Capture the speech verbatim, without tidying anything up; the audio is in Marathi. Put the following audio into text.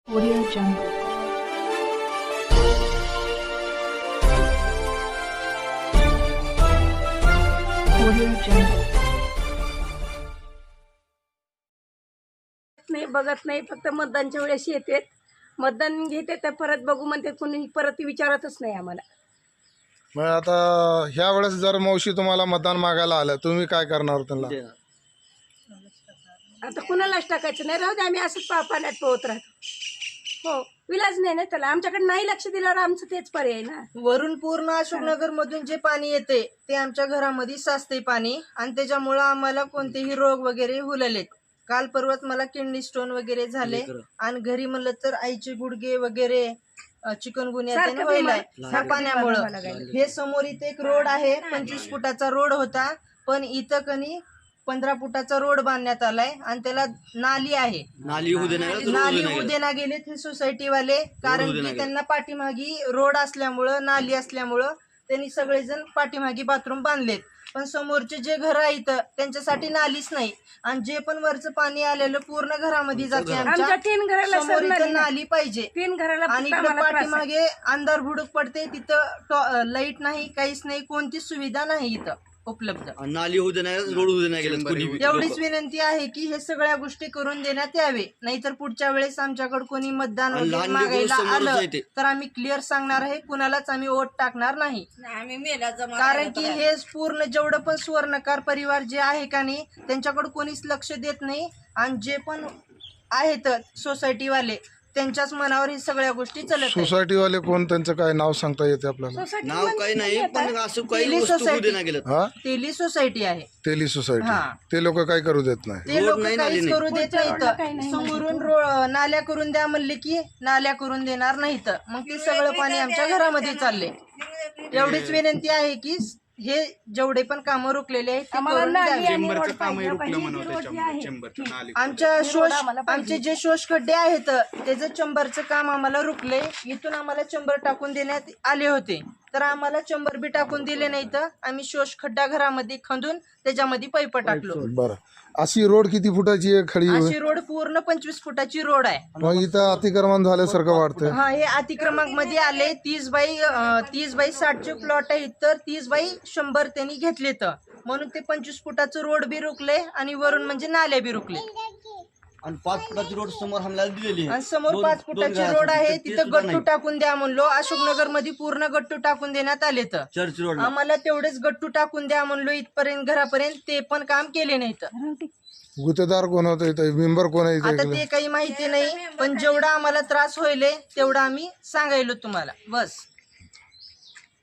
Audio Jungle. Audio Jungle. नाही बघत नाही, फक्त मतदानच्या वेळेस येते, मतदान घेते तर परत बघू म्हणते, कोणी परत विचारतच नाही आम्हाला. मग आता ह्या वेळेस जर मावशी तुम्हाला मतदान मागायला आलं, तुम्ही काय करणार त्यांना? आता कुणालाच टाकायचं नाही, राहू दे, आम्ही असंच पा पाण्यात पोहत राहतो. हो, विलाज नाही ना त्याला, आमच्याकडे नाही लक्ष दिल्यावर आमचं तेच पर्याय ना. वरून पूर्ण अशोकनगर मधून जे पाणी येते ते आमच्या घरामध्ये साचते पाणी, आणि त्याच्यामुळं आम्हाला कोणतेही रोग वगैरे हुललेत. काल परवाच मला किडनी स्टोन वगैरे झाले, आणि घरी म्हणलं तर आईचे गुडघे वगैरे चिकनगुनिया सारखं व्हायलाय बिमार- ह्या सारखं पाण्यामुळं. बिमार व्हायला लागलं. हे समोर इथे एक रोड आहे, पंचवीस फुटाचा रोड होता, पण इथं कनी पंधरा फुटाचा रोड बांधण्यात आलाय, आणि त्याला नाली आहे. नाली होऊ दे नाही नाली उद्या ना गेलेत हे सोसायटी वाले, कारण की त्यांना पाठीमागी रोड असल्यामुळं, नाली असल्यामुळं त्यांनी सगळेजण पाठीमागी बाथरूम बांधलेत. पण समोरचे जे घर आहेत त्यांच्यासाठी नालीच नाही, आणि जे पण वरचं पाणी आलेलं पूर्ण घरामध्ये जाते. आमच्या तीन घराला समोर सर इथं नाली नाली पाहिजे, तीन घराला आणि फक्त इकडे आम्हाला त्रास आहे. पाठीमागे अंधार भुडूक पडते, तिथं लाईट नाही, काहीच नाही, कोणतीच सुविधा नाही इथं उपलब्ध. नाली होऊ दे नाही, रोड होऊ दे नाही गेलं कोणी बी. एवढीच विनंती आहे की हे सगळ्या गोष्टी करून देण्यात यावे, नाहीतर पुढच्या वेळेस आमच्याकडे कोणी मतदान आणि वगैरे लहान लेकरं मागायला समोरच आलं आहे ते. तर आम्ही क्लिअर सांगणार आहे, कुणालाच आम्ही वोट टाकणार नाही. कारण की हे पूर्ण जेवढं पण सुवर्णकार परिवार जे आहे का नाही, त्यांच्याकडे कोणीच लक्ष देत नाही, आणि जे पण आहेत सोसायटी वाले त्यांच्याच मनावर ही सगळ्या गोष्टी चालत आहेत. सोसायटी वाले कोण, त्यांचं काय नाव सांगता येते आपल्याला? सोसायटी नाव काही नाही, पण असं काही तेली वस्तू होऊ दे सोसायटी. नाही गेलं. हा, तेली सोसायटी आहे, तेली सोसायटी. हा. ते लोक काय करू देत नाही. ते रोड लोक नाही, नाली काहीच नाही. करू देत रोडला काही नाहीत. नाही समोरून रो- नाल्या करून द्या म्हणले की नाल्या करून देणार नाहीत, मग ते सगळं पाणी आमच्या घरामध्ये चालले. एवढीच विनंती आहे की हे जेवढे पण कामं रोखलेले आहेत ते आम्हाला करून नाली द्यावी. आणि रोड पाहिजे. पाहिजे जी रोड जी आहे. आमच्या शोष आम्हाला पाहिजे. आमचे जे शोष खड्डे आहेत त्याचं चंबरचं काम आम्हाला रुकले. इथून आम्हाला चंबर टाकून देण्यात आले होते, तर आम्हाला चंबर बी टाकून दिले नाही, तर आम्ही शोष खड्डा घरामध्ये खंदून त्याच्यामध्ये पाईप टाकलो. बरं, अशी रोड किती फुटाची आहे खडी? अशी रोड पूर्ण पंचवीस फुटाची रोड आहे. मग इथं अतिक्रमण झाल्यासारखं वाटतंय. हा, हे अतिक्रमक मध्ये आले. तीस बाई अं, तीस बाई साठचे प्लॉट आहेत, तर तीस बाई शंभर त्यांनी घेतले, तर म्हणून ते पंचवीस फुटाचं रोड बी रुकले, आणि वरून म्हणजे नाल्या बी रुकले. आणि पाच फुटाची रोड समोर हमल्याला दिलेली आहे. आणि समोर दोन- पाच दोन फुटाची घरासाठी, रोड आहे, ते तिथं सुद्धा गट्टू नाही. टाकून द्या म्हणलो. अशोकनगर मध्ये पूर्ण गट्टू टाकून देण्यात आले, तर चर्च रोड आम्हाला तेवढेच गट्टू टाकून द्या म्हणलो इथपर्यंत घरापर्यंत, ते पण काम केले नाहीत. गुत्तेदार कोण होतं इथं, मेंबर कोण आहे आता इथं? ते काही माहिती नाही, पण जेवढा आम्हाला त्रास होईल तेवढा आम्ही सांगायलो तुम्हाला, बस.